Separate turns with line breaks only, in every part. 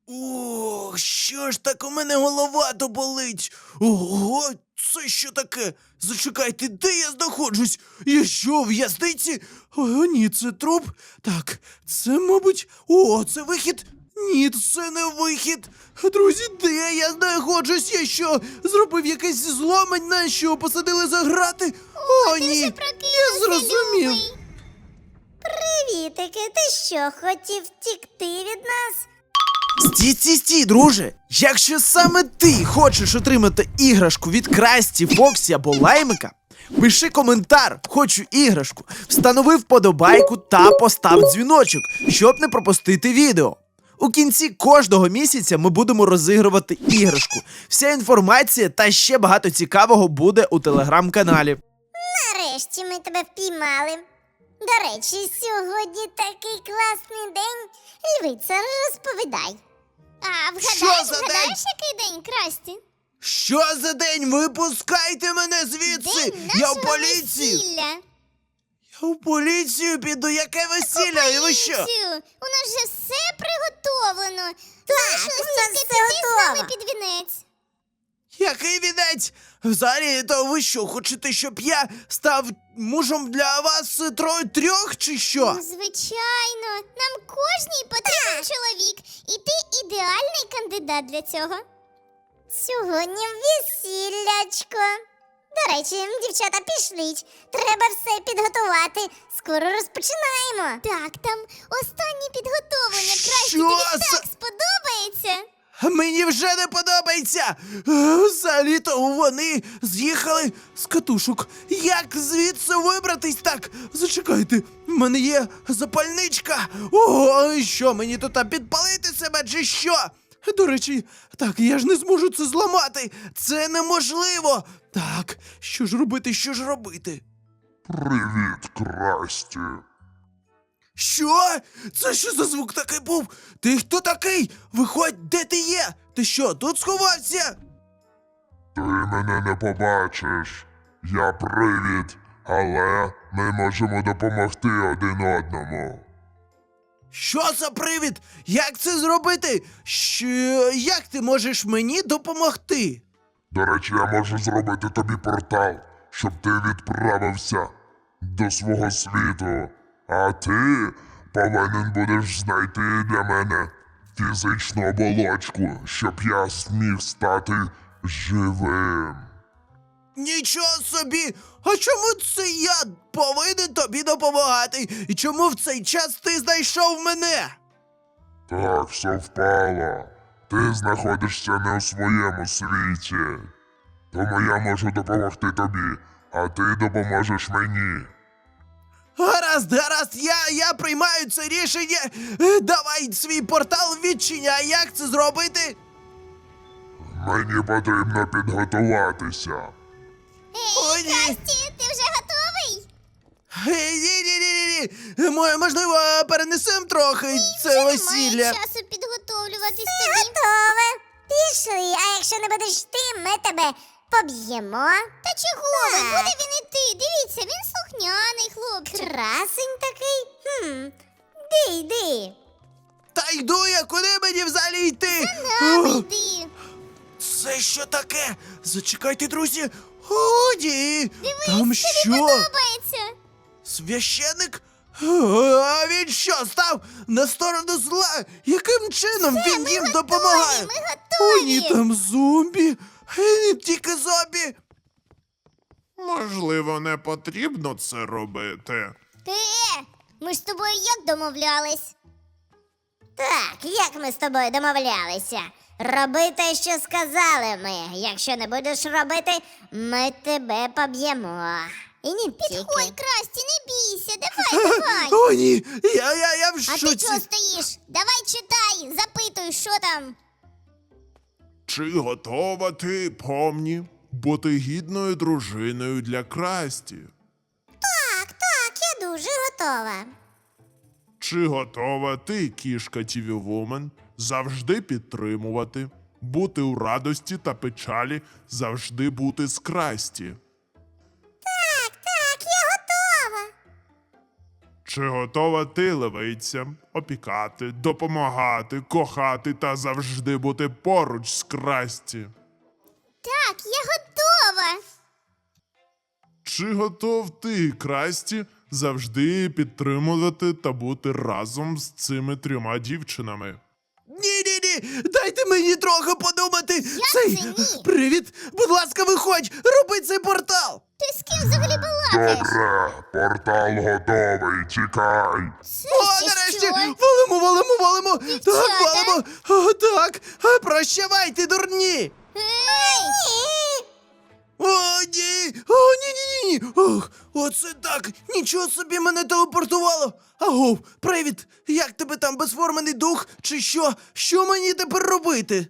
Ох, що ж так у мене голова то болить? Ого, це що таке? Зачекайте, де я знаходжусь? Я що, в в'язниці? О, ні, це труп. Так, це, мабуть. О, це вихід. Ні, це не вихід. Друзі, де я знаходжусь? Я що, зробив якесь зло, мене що, посадили за грати? О,
Ти
ні,
вже
я
прокинувся,
зрозумів.
любий.
Привітики, ти що, хотів втікти від нас?
Стій, друже! Якщо саме ти хочеш отримати іграшку від Красті, Фоксі або Лаймика, пиши коментар «Хочу іграшку», встанови вподобайку та постав дзвіночок, щоб не пропустити відео. У кінці кожного місяця ми будемо розігрувати іграшку. Вся інформація та ще багато цікавого буде у телеграм-каналі.
Нарешті ми тебе впіймали. До речі, сьогодні такий класний день. Львиця, розповідай.
А
Що за день?
вгадаєш, який день, Красті?
Що за день? Випускайте мене звідси!
День
Я в
нашого
поліцію!
весілля.
Я в поліцію піду, яке весілля? І ви що?
Поліцію! У нас вже все приготовлено.
Так,
Залишилось
у нас
тільки
все
піти з нами
готово.
під вінець.
Який вінець? Взагалі, то ви що, хочете, щоб я став мужем для вас трьох чи що?
Звичайно, нам кожній потрібен чоловік. І ти ідеальний кандидат для цього.
Сьогодні весіллячко. До речі, дівчата, пішліть. Треба все підготувати. Скоро розпочинаємо.
Так, там останні підготовлення.
Що
Красті, тобі
за-
так сподобається.
Мені вже не подобається! Взагалі-то вони з'їхали з катушок. Як звідси вибратись так? Зачекайте, в мене є запальничка. Ого, що, мені тут підпалити себе чи що? До речі, так, я ж не зможу це зламати. Це неможливо. Так, що ж робити, що ж робити?
Привіт, Красті.
Що? Це що за звук такий був? Ти хто такий? Виходь, де ти є? Ти що, тут сховався?
Ти мене не побачиш. Я привід, але ми можемо допомогти один одному.
Що за привід? Як це зробити? Як ти можеш мені допомогти?
До речі, я можу зробити тобі портал, щоб ти відправився до свого світу. А ти повинен будеш знайти для мене фізичну оболочку, щоб я зміг стати живим.
Нічого собі! А чому це я повинен тобі допомагати? І чому в цей час ти знайшов мене?
Так, совпало. Ти знаходишся не у своєму світі. Тому я можу допомогти тобі, а ти допоможеш мені.
Гаразд, я приймаю це рішення. Давай свій портал відчиняй. Як це зробити?
Мені потрібно підготуватися.
О,
Ей,
ні.
Красті, ти вже готовий?
Ні. Можливо, перенесемо трохи це
Вже
весілля.
немає часу підготовлюватись тобі.
Готове. Пішли, а якщо не будеш ти, ми тебе поб'ємо.
Та чого ви?
Так.
Куди він іти? Дивіться, він слухняний хлопчик.
Красень такий. Йди.
Та йду я, куди мені взагалі йти?
Нами
О,
йди.
Це що таке? Зачекайте, друзі. О, ні.
Дивись,
Там
тобі
що?
подобається.
Священник? А він що, став на сторону зла? Яким чином він
ми
їм
готові,
допомагає?
ми
О,
готові.
ні, там зомбі. Не тільки зомбі.
Можливо, не потрібно це робити.
Ми ж з тобою як домовлялись?
Так, як ми з тобою домовлялися? Роби те, що сказали ми. Якщо не будеш робити, ми тебе поб'ємо. І не
Підходь,
тільки.
Красті, не бійся, давай.
О, ні, я в
А ти
шоці.
чого стоїш? Давай читай, запитуй, що там.
Чи готова ти, помні, бути гідною дружиною для Красті?
Так, я дуже готова.
Чи готова ти, кішка Тіві Вумен, завжди підтримувати, бути у радості та печалі, завжди бути з Красті?
Так, я готова.
Чи готова ти, левиця, опікати, допомагати, кохати та завжди бути поруч з Красті?
Так, я готова.
Чи готов ти, Красті, завжди підтримувати та бути разом з цими 3 дівчинами?
Ні, дайте мені трохи подумати.
це ні?
Привіт, будь ласка, виходь, роби цей портал.
Ти з ким взагалі балакаєш?
Добре, портал готовий, тікай.
Це
О,
ще
нарешті,
що?
валимо. Так,
Дівчата.
валимо. О, так, прощавайте, дурні.
Ей!
О, ні! О, ні! Ох, оце так! Нічого собі мене телепортувало! Агов, привіт! Як тебе там, безформений дух? Чи що? Що мені тепер робити?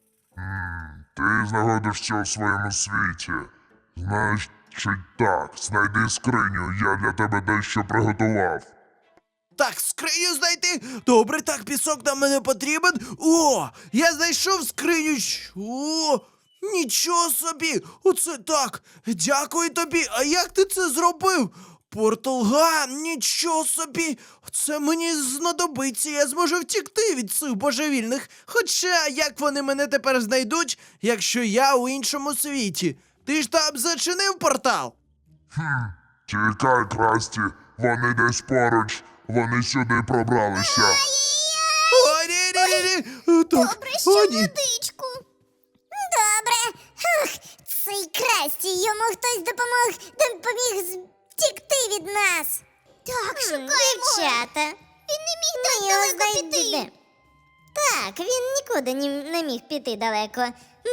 Ти знаходишся у своєму світі. Значить так, знайди скриню, я для тебе дещо приготував.
Так, скриню знайти? Добре, так, пісок нам мене потрібен. О, я знайшов скриню. О, нічого собі! Оце так! Дякую тобі! А як ти це зробив? Порталган, нічого собі! Це мені знадобиться, я зможу втікти від цих божевільних. Хоча як вони мене тепер знайдуть, якщо я у іншому світі? Ти ж там зачинив портал?
Тікай, Красті, вони десь поруч, вони сюди пробралися.
О, ні. Так,
Добре, що
о, ні.
водичку.
Добре. Ах, цей Красті, йому хтось допоміг втікти від нас.
Так, шукаємо.
Дівчата,
Він не міг так
ми його
далеко піти.
знайдемо. Так, він нікуди не міг піти далеко.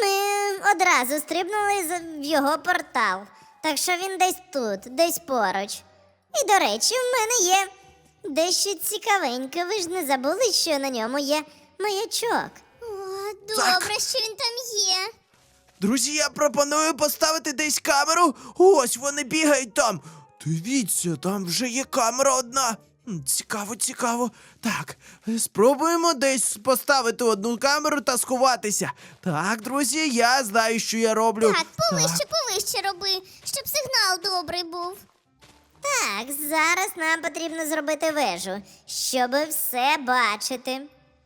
Ми одразу стрибнули в його портал. Так що він десь тут, десь поруч. І, до речі, в мене є дещо цікавеньке. Ви ж не забули, що на ньому є маячок.
О, добре, що він там є.
Друзі, я пропоную поставити десь камеру. Ось вони бігають там. Дивіться, там вже є камера одна. Цікаво. Так, спробуємо десь поставити одну камеру та сховатися. Так, друзі, я знаю, що я роблю.
Так, повище роби, щоб сигнал добрий був.
Так, зараз нам потрібно зробити вежу, щоб все бачити.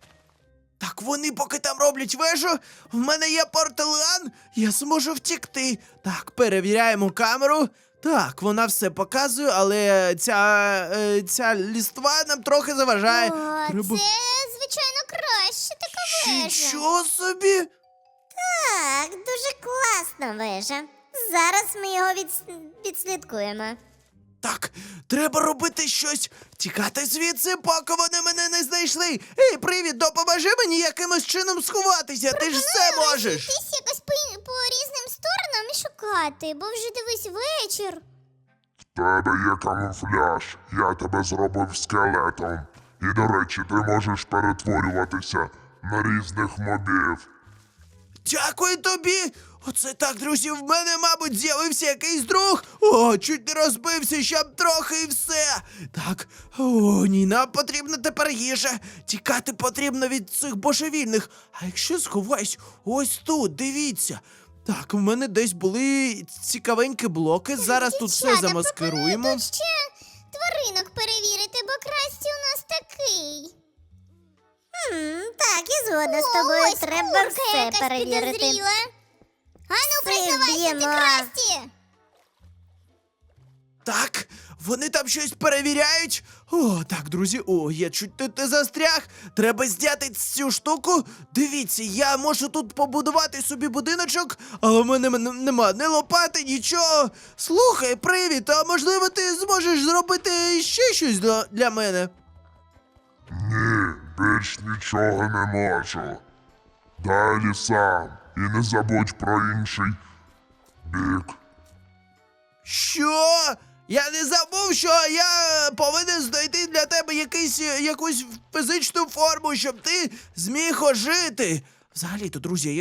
Так, вони поки там роблять вежу, в мене є порталан, я зможу втікти. Так, перевіряємо камеру. Так, вона все показує, але ця ліства нам трохи заважає.
О,
Треба-
це, звичайно, краще така вежа.
Що собі?
Так, дуже класна вежа. Зараз ми його відслідкуємо.
Так, треба робити щось. Тікати звідси, поки вони мене не знайшли. Ей, привіт, допоможи мені якимось чином сховатися, ти ж все можеш.
Розійтись якось по різним сторонам і шукати, бо вже дивись вечір.
В тебе є камуфляж, я тебе зробив скелетом. І, до речі, ти можеш перетворюватися на різних мобів.
Дякую тобі. Оце так, друзі, в мене, мабуть, з'явився якийсь друг. О, чуть не розбився, щоб трохи і все. Так, о, ні, нам потрібна тепер їжа. Тікати потрібно від цих божевільних. А якщо сховаюсь ось тут, дивіться. Так, в мене десь були цікавенькі блоки. Зараз тут все
Дівчата,
замаскируємо.
пропоную тут ще тваринок перевірити, бо Красті у нас такий.
Так, я згодна з тобою.
Ось
Треба
курка
все
якась
перевірити.
підозріла. Ану,
Все
признавайся, ти
вб'ємо.
Красті.
Так, вони там щось перевіряють. О, так, друзі, я чуть тут не застряг. Треба зняти цю штуку. Дивіться, я можу тут побудувати собі будиночок, але в мене нема ні лопати, нічого. Слухай, привіт, а можливо ти зможеш зробити ще щось для мене?
Ні, більш нічого не можу. Далі сам. І не забудь про інший бік.
Що? Я не забув, що я повинен знайти для тебе якусь фізичну форму, щоб ти зміг ожити. Взагалі-то, друзі,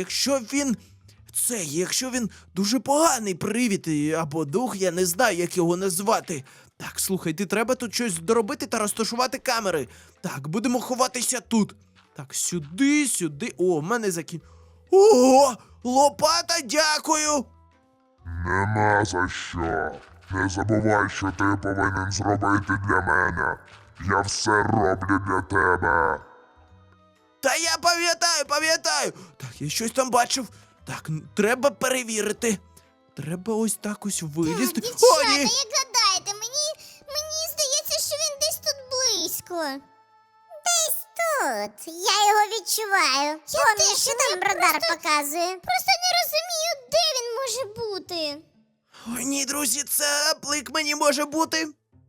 якщо він дуже поганий привід або дух, я не знаю, як його назвати. Так, слухайте, треба тут щось доробити та розташувати камери. Так, будемо ховатися тут. Так, сюди. О, в мене Ого! Лопата, дякую!
Нема за що. Не забувай, що ти повинен зробити для мене. Я все роблю для тебе.
Та я пам'ятаю. Так, я щось там бачив. Так, треба перевірити. Треба ось так ось вилізти.
Дівчата,
Ні!
як гадаєте, мені здається, що він десь тут близько.
Десь тут. Я його відчуваю. Помніш, що там радар показує?
Просто не розумію, де він може бути.
Ой, ні, друзі, це плик мені може бути.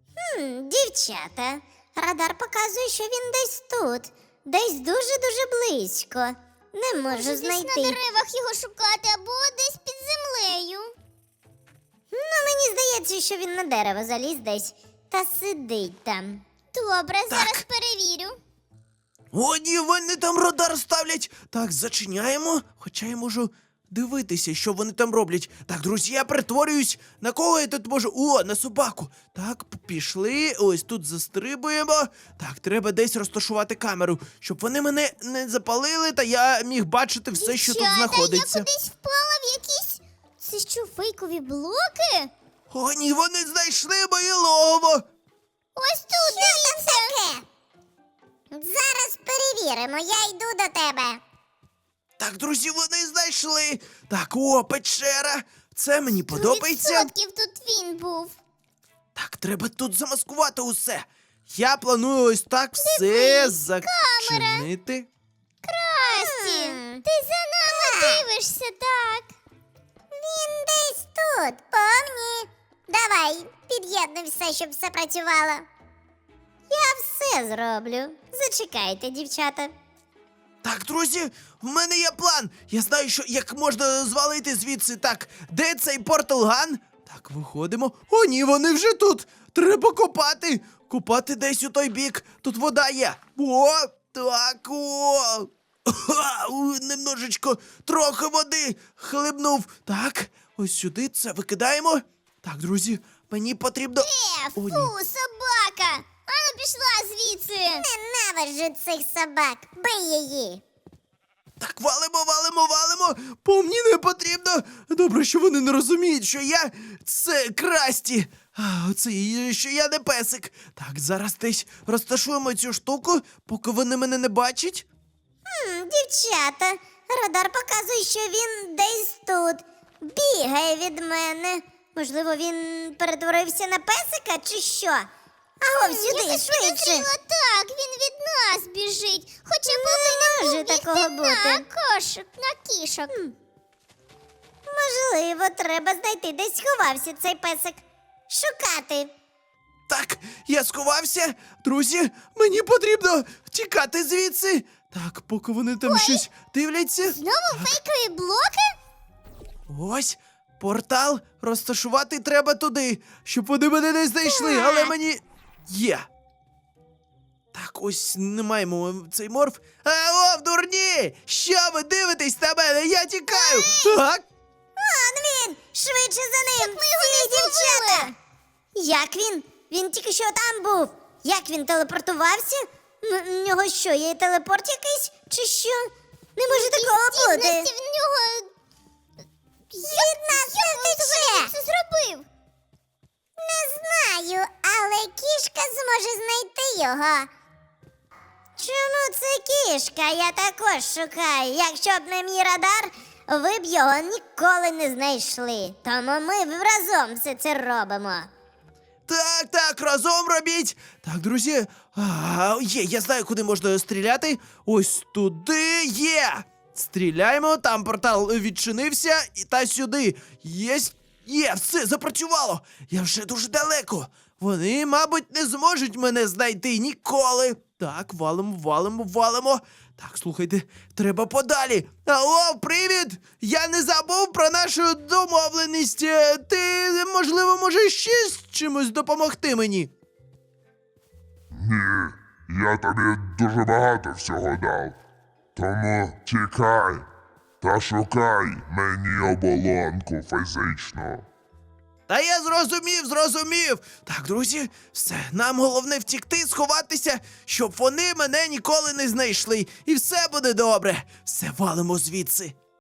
Дівчата, радар показує, що він десь тут. Десь дуже-дуже близько. Не можу
Може, десь на
знайти.
деревах його шукати або десь під землею.
Ну, мені здається, що він на дерево заліз десь та сидить там.
Добре, зараз перевірю.
О, ні, вони там радар ставлять. Так, зачиняємо. Хоча я можу дивитися, що вони там роблять. Так, друзі, я перетворююсь. На кого я тут можу? О, на собаку. Так, пішли. Ось тут застрибуємо. Так, треба десь розташувати камеру, щоб вони мене не запалили, та я міг бачити все, що тут
Дівчата,
знаходиться.
я кудись впала в якісь... Це що, фейкові блоки?
О, ні, вони знайшли моє логово.
Ось тут, дивіться.
Таке. Зараз перевіримо, я йду до тебе.
Так, друзі, вони знайшли. Так, о, печера. Це мені подобається.
100% тут він був.
Так, треба тут замаскувати усе. Я планую ось так все зачинити.
Красті, ти за нами дивишся, так?
Він десь тут, помні. Давай, під'єднуй все, щоб все працювало. Я все зроблю. Зачекайте, дівчата.
Так, друзі, в мене є план. Я знаю, що як можна звалити звідси. Так, де цей порталган? Так, виходимо. О, ні, вони вже тут. Треба копати. Копати десь у той бік. Тут вода є. О, так, о. Ха, немножечко, трохи води хлебнув. Так, ось сюди це викидаємо. Так, друзі, мені потрібно.
Фу,
О, ні.
собака! Ану пішла звідси!
Ненавиджу цих собак. Бий її.
Так, валимо. По мені не потрібно. Добре, що вони не розуміють, що я це Красті. Що я не песик. Так, зараз десь розташуємо цю штуку, поки вони мене не бачать.
Дівчата, радар показує, що він десь тут. Бігає від мене. Можливо, він перетворився на песика чи що? Аго, сюди,
Якось
швидше.
підозріло так, він від нас біжить. Хоча
може
повинен був
такого
бігти
бути.
на кішок.
Можливо, треба знайти, де сховався цей песик. Шукати.
Так, я сховався. Друзі, мені потрібно тікати звідси. Так, поки вони там щось дивляться.
Знову фейкові блоки?
Ось, портал розташувати треба туди, щоб вони мене не знайшли, але мені є. Так, ось не маємо цей морф. О, дурні! Що ви дивитесь на мене? Я тікаю! Так?
Он він! Швидше за ним!
ми його
Всі
не
дівчата!
зловили!
Як він? Він тільки що там був. Як він телепортувався? В нього що, є телепорт якийсь? Чи що? Не може такого бути.
Здібності в нього...
Від нас не втече.
Це зробив?
Не знаю, але кішка зможе знайти його. Чому це кішка? Я також шукаю. Якщо б не мій радар, ви б його ніколи не знайшли. Тому ми разом все це робимо.
Так, разом робіть. Так, друзі, є, я знаю, куди можна стріляти. Ось туди є. Стріляємо, там портал відчинився, та сюди. Є, все, запрацювало. Я вже дуже далеко. Вони, мабуть, не зможуть мене знайти ніколи. Так, валимо. Так, слухайте, треба подалі. Алло, привіт! Я не забув про нашу домовленість. Ти, можливо, можеш ще з чимось допомогти мені?
Ні, я тобі дуже багато всього дав. Тому тікай та шукай мені оболонку фізичну.
Та я зрозумів. Так, друзі, все, нам головне втікти, сховатися, щоб вони мене ніколи не знайшли. І все буде добре. Все, валимо звідси.